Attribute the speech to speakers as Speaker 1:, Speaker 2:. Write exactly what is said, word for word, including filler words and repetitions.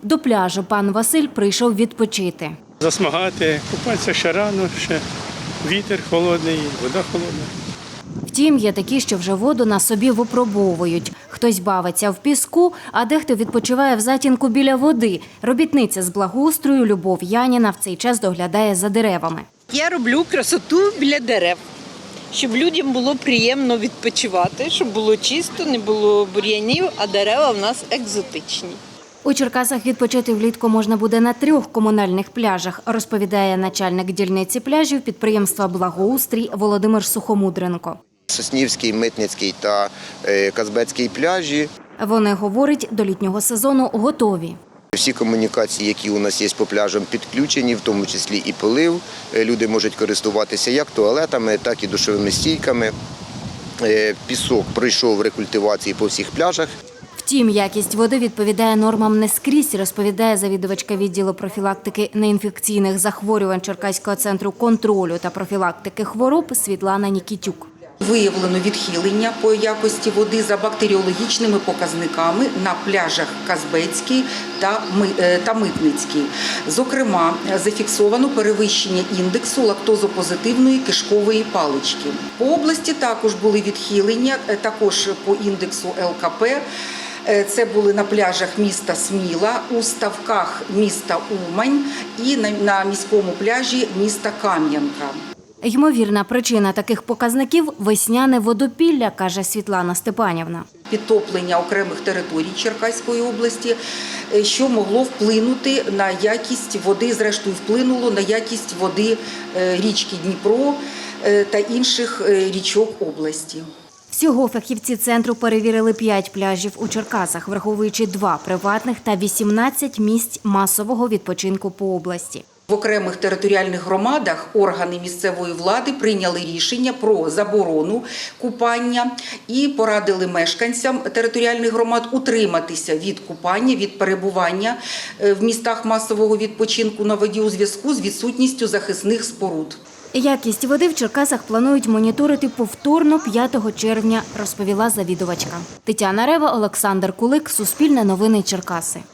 Speaker 1: До пляжу пан Василь прийшов відпочити.
Speaker 2: Засмагати, купатися ще рано, ще вітер холодний, вода холодна.
Speaker 1: Втім, є такі, що вже воду на собі випробовують. Хтось бавиться в піску, а дехто відпочиває в затінку біля води. Робітниця з благоустрою Любов Яніна в цей час доглядає за деревами.
Speaker 3: Я роблю красоту біля дерев, щоб людям було приємно відпочивати, щоб було чисто, не було бур'янів, а дерева в нас екзотичні.
Speaker 1: У Черкасах відпочити влітку можна буде на трьох комунальних пляжах, розповідає начальник дільниці пляжів підприємства «Благоустрій» Володимир Сухомудренко.
Speaker 4: Соснівський, Митницький та Казбецький пляжі.
Speaker 1: Вони, говорять, до літнього сезону готові.
Speaker 4: Всі комунікації, які у нас є по пляжам, підключені, в тому числі і полив. Люди можуть користуватися як туалетами, так і душовими стійками. Пісок пройшов рекультивації по всіх пляжах.
Speaker 1: Втім, якість води відповідає нормам не скрізь, розповідає завідувачка відділу профілактики неінфекційних захворювань Черкаського центру контролю та профілактики хвороб Світлана Нікітюк.
Speaker 5: Виявлено відхилення по якості води за бактеріологічними показниками на пляжах Казбецький та Митницький. Зокрема, зафіксовано перевищення індексу лактозопозитивної кишкової палички. По області також були відхилення, також по індексу Ел Ка Пе. Це були на пляжах міста Сміла, у ставках міста Умань і на міському пляжі міста Кам'янка.
Speaker 1: Ймовірна причина таких показників – весняне водопілля, каже Світлана Степанівна.
Speaker 5: Підтоплення окремих територій Черкаської області, що могло вплинути на якість води, зрештою вплинуло на якість води річки Дніпро та інших річок області.
Speaker 1: Всього фахівці центру перевірили п'ять пляжів у Черкасах, враховуючи два приватних та вісімнадцять місць масового відпочинку по області.
Speaker 5: В окремих територіальних громадах органи місцевої влади прийняли рішення про заборону купання і порадили мешканцям територіальних громад утриматися від купання, від перебування в містах масового відпочинку на воді у зв'язку з відсутністю захисних споруд.
Speaker 1: Якість води в Черкасах планують моніторити повторно п'ятого червня, розповіла завідувачка. Тетяна Рева, Олександр Кулик, Суспільне новини Черкаси.